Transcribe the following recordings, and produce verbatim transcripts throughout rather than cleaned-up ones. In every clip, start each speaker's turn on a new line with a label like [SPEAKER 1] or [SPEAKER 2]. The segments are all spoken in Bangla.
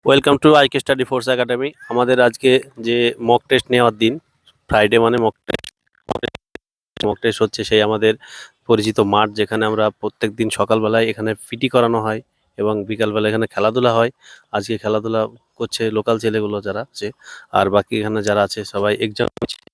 [SPEAKER 1] Welcome to IK study force academy. আমাদের আজকে যে মক টেস্ট নেওয়ার দিন, ফ্রাইডে মানে মক টেস্ট। মক টেস্ট হচ্ছে সেই আমাদের পরিচিত মাঠ, যেখানে আমরা প্রত্যেক দিন সকালবেলায় এখানে পিটি করানো হয় এবং বিকালবেলা এখানে খেলাধুলা হয়। আজকে খেলাধুলা করছে লোকাল ছেলেগুলো যারা আছে, আর বাকি এখানে যারা আছে সবাই এক্সাম।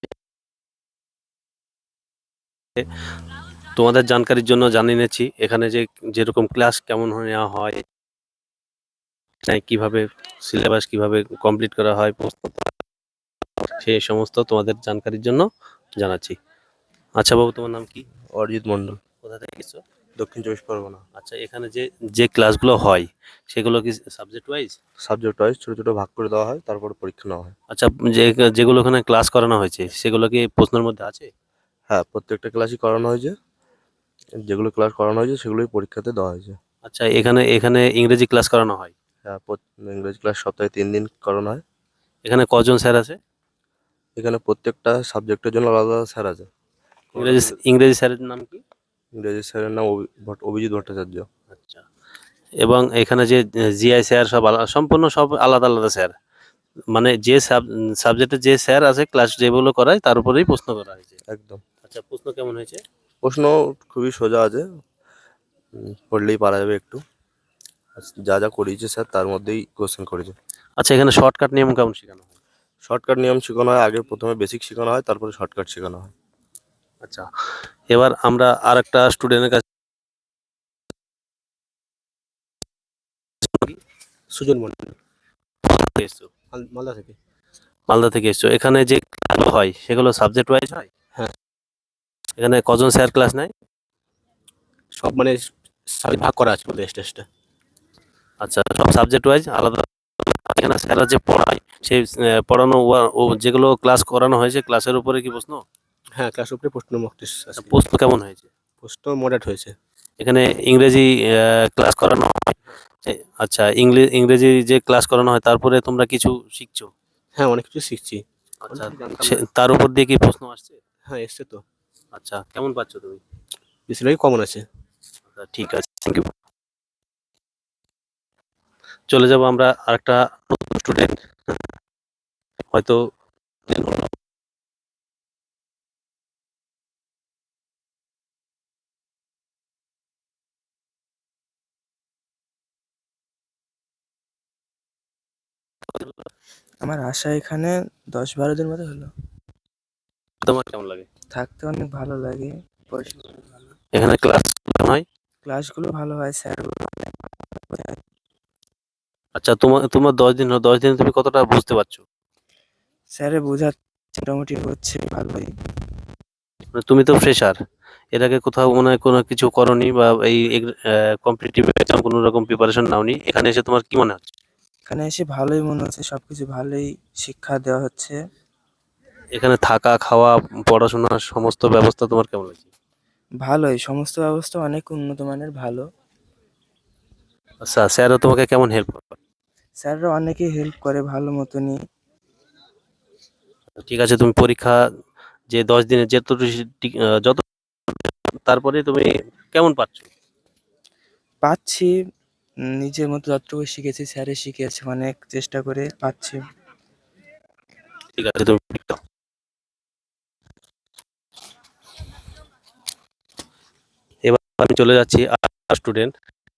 [SPEAKER 1] তোমাদের জানকারির জন্য জানিয়ে নিচ্ছি এখানে যে যেরকম ক্লাস কেমন নেওয়া হয়, কিভাবে সিলেবাস কিভাবে কমপ্লিট করা হয়, সেই সমস্ত তোমাদের জানকারির জন্য জানাচ্ছি। আচ্ছা বাবু, তোমার নাম কি?
[SPEAKER 2] অরিজিৎ মন্ডল,
[SPEAKER 1] কোথা থেকে এসছো?
[SPEAKER 2] দক্ষিণ চব্বিশ পরগনা।
[SPEAKER 1] আচ্ছা, এখানে যে যে ক্লাসগুলো হয় সেগুলো কি সাবজেক্ট ওয়াইজ?
[SPEAKER 2] সাবজেক্ট ওয়াইজ ছোটো ছোটো ভাগ করে দেওয়া হয়, তারপরে পরীক্ষা নেওয়া হয়।
[SPEAKER 1] আচ্ছা, যে যেগুলো এখানে ক্লাস করানো হয়েছে সেগুলো কি প্রশ্নের মধ্যে আছে?
[SPEAKER 2] হ্যাঁ, প্রত্যেকটা ক্লাসই করানো হয়েছে। যেগুলো ক্লাস করানো হয়েছে সেগুলোই পরীক্ষাতে দেওয়া হয়েছে।
[SPEAKER 1] আচ্ছা, এখানে এখানে ইংরেজি ক্লাস করানো হয়?
[SPEAKER 2] হ্যাঁ, প্রত- ইংরেজি ক্লাস সপ্তাহে তিন দিন করানো হয়।
[SPEAKER 1] এখানে কজন স্যার আছে?
[SPEAKER 2] এখানে প্রত্যেকটা সাবজেক্টের জন্য আলাদা আলাদা স্যার আছে। কোনোটা
[SPEAKER 1] ইংরেজি
[SPEAKER 2] থেকে
[SPEAKER 1] ইংরেজি স্যারের নাম কি?
[SPEAKER 2] ইংরেজি স্যারের নাম অভি- ভট্ট- অভিজিৎ ভট্টাচার্য।
[SPEAKER 1] আচ্ছা, এবং এখানে যে জিআই স্যার সব আলাদা, সম্পূর্ণ সব আলাদা আলাদা স্যার? মানে যে সাবজেক্টে যে স্যার আছে ক্লাস যেগুলো করায় তার উপরেই প্রশ্ন করা হয়েছে?
[SPEAKER 2] একদম।
[SPEAKER 1] আচ্ছা, প্রশ্ন কেমন হয়েছে?
[SPEAKER 2] প্রশ্ন খুবই সোজা আছে, উম, পড়লেই পারা যাবে একটু। আর যা যা করিয়েছে স্যার তার মধ্যেই কোশ্চেন করেছে।
[SPEAKER 1] আচ্ছা, এখানে শর্টকাট নিয়ম কেমন শেখানো হয়?
[SPEAKER 2] শর্টকাট নিয়ম শেখানো হয়, আগে প্রথমে বেসিক শেখানো হয়, তারপরে শর্টকাট শেখানো হয়।
[SPEAKER 1] আচ্ছা, এবার আমরা আর একটা স্টুডেন্টের কাছে।
[SPEAKER 3] সুজন মন্ডল,
[SPEAKER 1] এসছো?
[SPEAKER 3] মাল- মালদা থেকে।
[SPEAKER 1] মালদা থেকে এসছো। এখানে যে ক্লাসগুলো হয় সেগুলো সাবজেক্ট ওয়াইজ হয়?
[SPEAKER 3] হ্যাঁ,
[SPEAKER 1] এখানে কজন স্যার ক্লাস নেয়?
[SPEAKER 3] সব মানে সাবজেক্ট ভাগ করা আছে আমাদের টেস্টটা।
[SPEAKER 1] আচ্ছা, সব সাবজেক্ট ওয়াইজ আলাদা। এখানে স্যাররা যে পড়ায় সেই আহ, পড়ানো ওয়া- ও যেগুলো ক্লাস করানো হয়েছে ক্লাসের উপরে কি প্রশ্ন?
[SPEAKER 3] হ্যাঁ, ক্লাস উপরে প্রশ্ন মক টেস্ট
[SPEAKER 1] আচ্ছা,
[SPEAKER 3] আছে।
[SPEAKER 1] প্রশ্ন কেমন হয়েছে?
[SPEAKER 3] প্রশ্ন মডারেট হয়েছে।
[SPEAKER 1] এখানে ইংরেজি ক্লাস করানো হয়? এ- আচ্ছা, ইংলিশ ইংরেজি যে ক্লাস করানো হয় তারপরে তোমরা কিছু শিখছো?
[SPEAKER 3] হ্যাঁ, অনেক কিছু শিখছি।
[SPEAKER 1] আচ্ছা,
[SPEAKER 3] অনেক কিছু জানতাম
[SPEAKER 1] সে-
[SPEAKER 3] না।
[SPEAKER 1] তার উপর দিয়ে কি প্রশ্ন আসছে?
[SPEAKER 3] হ্যাঁ, এসছে তো।
[SPEAKER 1] আচ্ছা, কেমন পাচ্ছ তুমি?
[SPEAKER 3] বেশিরভাগই কমন আছে।
[SPEAKER 1] আচ্ছা, ঠিক আছে, থ্যাংক ইউ। চলে যাব আমরা আরেকটা নতুন স্টুডেন্ট, হয়তো
[SPEAKER 4] আমার আশা এখানে দশ বারো দিন মতো হলো।
[SPEAKER 1] তোমার কেমন লাগে?
[SPEAKER 4] থাকতে অনেক ভালো লাগে, পরিষেবা অনেক ভালো,
[SPEAKER 1] এখানে ক্লাস হয়?
[SPEAKER 4] ক্লাসগুলো ভালো হয়, স্যারগুলো অনেক ভালো বোঝায়।
[SPEAKER 1] আচ্ছা, তোমার তোমার দশ দিন হলো, দশ দিনে তুমি কতটা বুঝতে পারছো?
[SPEAKER 4] স্যারে বোঝাচ্ছে মোটামুটি হচ্ছে ভালোই।
[SPEAKER 1] মানে তুমি তো ফ্রেশার, এর আগে কোথাও মনে হয় কোনো কিছু করনি বা এই কম্পিটিটিভ এক্সাম কোনো রকম প্রিপারেশন নাওনি, এখানে এসে তোমার কি মনে হচ্ছে?
[SPEAKER 4] এখানে এসে ভালোই মনে হচ্ছে, সবকিছু ভালোই শিক্ষা দেওয়া হচ্ছে।
[SPEAKER 1] এখানে থাকা খাওয়া পড়াশোনার সমস্ত ব্যবস্থা তোমার কেমন লাগছে?
[SPEAKER 4] ভালোই, সমস্ত ব্যবস্থা অনেক উন্নত মানের, ভালো।
[SPEAKER 1] আচ্ছা, স্যারও তোমাকে কেমন হেল্প করে?
[SPEAKER 4] স্যাররা অনেকেই হেল্প করে ভালো মতনই।
[SPEAKER 1] ঠিক আছে, তুমি পরীক্ষা যে দশ দিনে যত যত তারপরে তুমি কেমন পাচ্ছ?
[SPEAKER 4] পাচ্ছি, উম, নিজের মতো যতটুকু শিখেছি স্যারে শিখিয়েছে, অনেক চেষ্টা করে পাচ্ছি।
[SPEAKER 1] ঠিক আছে, তুমি এবার আমি চলে যাচ্ছি আর স্টুডেন্ট,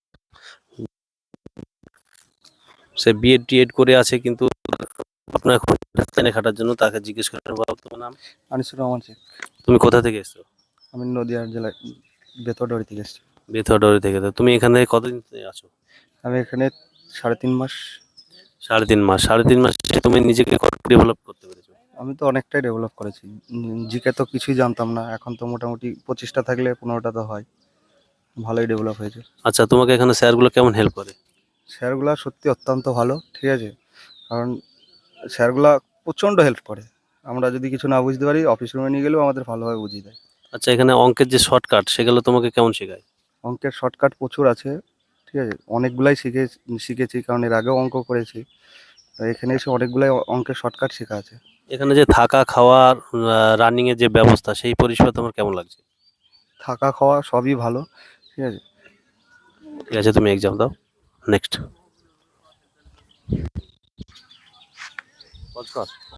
[SPEAKER 1] সে বিএড টিএড করে আছে কিন্তু আপনার এখন রাজধানী খাটার জন্য তাকে জিজ্ঞেস করে নেবো, তোমার নাম?
[SPEAKER 5] আনিসুর রহমান শেখ।
[SPEAKER 1] তুমি কোথা থেকে এসছো?
[SPEAKER 5] আমি নদিয়া জেলায় বেতডাড়ি থেকে এসেছি।
[SPEAKER 1] বেথুয়াডারি থেকে। তো তুমি এখানে কতদিন আছো?
[SPEAKER 5] আমি এখানে সাড়ে তিন মাস।
[SPEAKER 1] সাড়ে তিন মাস। সাড়ে তিন মাসে তুমি নিজেকে কত ডেভেলপ করতে পেরেছো?
[SPEAKER 5] আমি তো অনেকটাই ডেভেলপ করেছি। জিকে তো কিছুই জানতাম না, এখন তো মোটামুটি পঁচিশটা থাকলে পনেরোটা তো হয়, ভালোই ডেভেলপ হয়েছে।
[SPEAKER 1] আচ্ছা, তোমাকে এখানে স্যারগুলো কেমন হেল্প করে?
[SPEAKER 5] স্যারগুলা সত্যি অত্যন্ত ভালো, ঠিক আছে। কারণ স্যারগুলা প্রচণ্ড হেল্প করে। আমরা যদি কিছু না বুঝতে পারি অফিস রুমে নিয়ে গেলেও আমাদের ভালোভাবে বুঝিয়ে দেয়।
[SPEAKER 1] আচ্ছা, এখানে অঙ্কের যে শর্টকাট সেগুলো তোমাকে কেমন শেখায়?
[SPEAKER 5] অঙ্কের শর্টকাট প্রচুর আছে, ঠিক আছে। অনেকগুলাই শিখে শিখেছি, কারণ এর আগেও অঙ্ক করেছি। তো এখানে এসে অনেকগুলাই অঙ্কের শর্টকাট শেখা আছে।
[SPEAKER 1] এখানে যে থাকা খাওয়ার রানিং এর যে ব্যবস্থা সেই পরিষেবা তোমার কেমন লাগছে?
[SPEAKER 5] থাকা খাওয়া সবই ভালো, ঠিক আছে।
[SPEAKER 1] ঠিক আছে, তুমি এক্সাম দাও। নেক্সট। পজ কর।